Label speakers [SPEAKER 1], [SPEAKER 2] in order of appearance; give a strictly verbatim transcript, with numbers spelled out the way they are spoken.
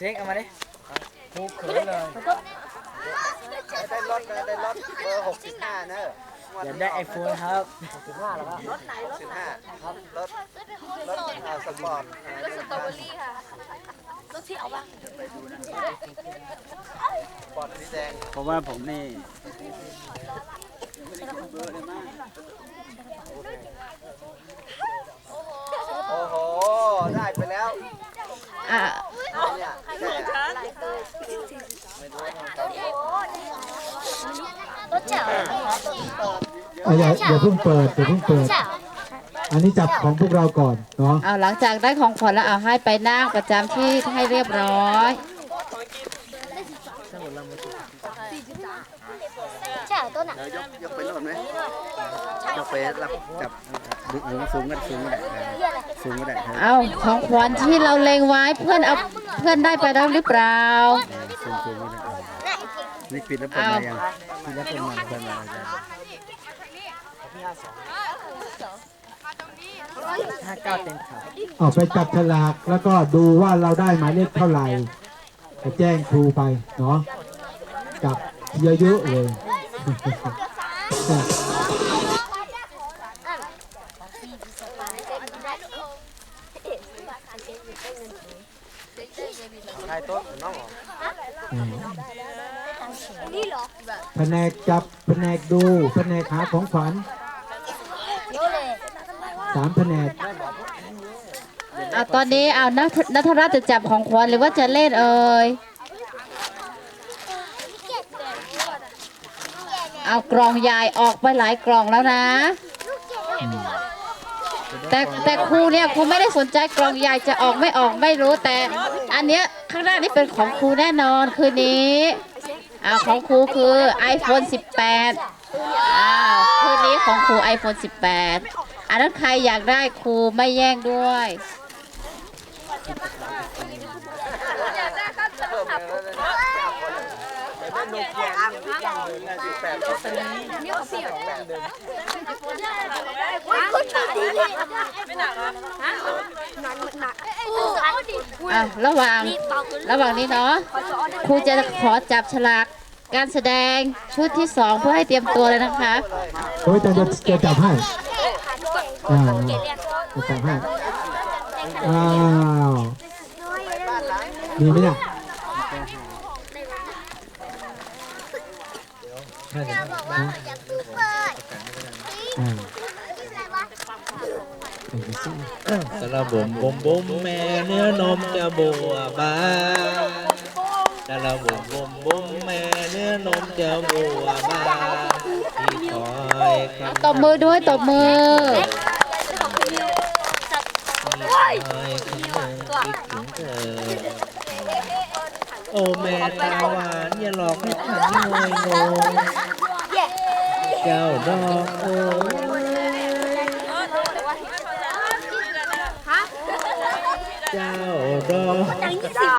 [SPEAKER 1] ช็คเอามาดิผูกเขินเลย
[SPEAKER 2] ได้รถได้รถเบอร์หกสิบห้าเนอะ
[SPEAKER 1] อยากได้ไอโฟนครับหกสิบห้าแล้วครับ
[SPEAKER 2] รถไหนรถสิบห้าครับรถรถสปอร์ต
[SPEAKER 3] รถสตรอเบอรี่ค่ะรถที่เอาบ้าง
[SPEAKER 2] สปอร์ตสีแดง
[SPEAKER 1] เพราะว่าผมนี่
[SPEAKER 2] โอ้โหได้ไปแล้ว
[SPEAKER 4] อ่ะ
[SPEAKER 3] รถเจ๋ว
[SPEAKER 5] อย่าอย่าเพิ่งเปิดอย่าเพิ่งเปิดอันนี้จับของพวกเราก่อนเนาะ
[SPEAKER 4] เอาหลังจากได้ของขวัญแล้วเอาให้ไปนั่งประจำที่ให้เรียบร้อย
[SPEAKER 3] เจ๋วต้นอ่ะ
[SPEAKER 2] ยกยกไปโน่นไหมยกไปรับจับดึงสูงกันสูงก็ได้สูงก็ได้
[SPEAKER 4] เอาของขวัญที่เราเล็งไว้เพื่อนเอาเพื่อนได้ไปแล้วหรือเปล่า
[SPEAKER 2] สูงสูงก็ได้นี่ปิดแล้วเปิดมายังปิดแล้วเปิดมาเปิดมา
[SPEAKER 1] ห้าเก้าเต็มขา
[SPEAKER 5] เอาไปจับฉลากแล้วก็ดูว่าเราได้หมายเลขเท่าไหร่จะแจ้งครูไปเนาะจับเยอะๆเลย
[SPEAKER 2] ใครต้นน้อง
[SPEAKER 5] แผนกจับแผนกดูแผนกหาของขวัญสามแผนก
[SPEAKER 4] เอาตอนนี้เอานัทนัทรัตน์จะจับของขวัญหรือว่าจะเล่นเอ่ยเอากล่องใหญ่ออกไปหลายกล่องแล้วนะแต่แต่ครูเนี่ยครูไม่ได้สนใจกล่องใหญ่จะออกไม่ออกไม่รู้แต่อันเนี้ยข้างหน้านี่เป็นของครูแน่นอนคืนนี้อ่าของครูคือ ไอโฟน สิบแปดอ่าคืนนี้ของครู ไอโฟน สิบแปดอันนั้นใครอยากได้ครูไม่แย่งด้วยอ่ะระหว่างระหว่างนี้เนาะครูจะขอจับฉลากการแสดงชุดที่สองเพื่อให้เตรียมตัวเลยนะคะ
[SPEAKER 5] โอ้ยจะจะจะจับให้อ้าวจะจับให้อ้าวมีไหมเนี่ย
[SPEAKER 6] สระบุมบุมบุมแม่เนื้อนมจะบัวบานสระบุมบุมบุมแม่เนื้อนมจะบัวบานที่คอย
[SPEAKER 4] ตบมือด้วยตบมือ
[SPEAKER 6] คอยคอยคิดถึงเธอโอ้แม่ตาหวานอย่าหลอกให้ฉันงอยงงเจ้าดอกโอ้เจ้าดอก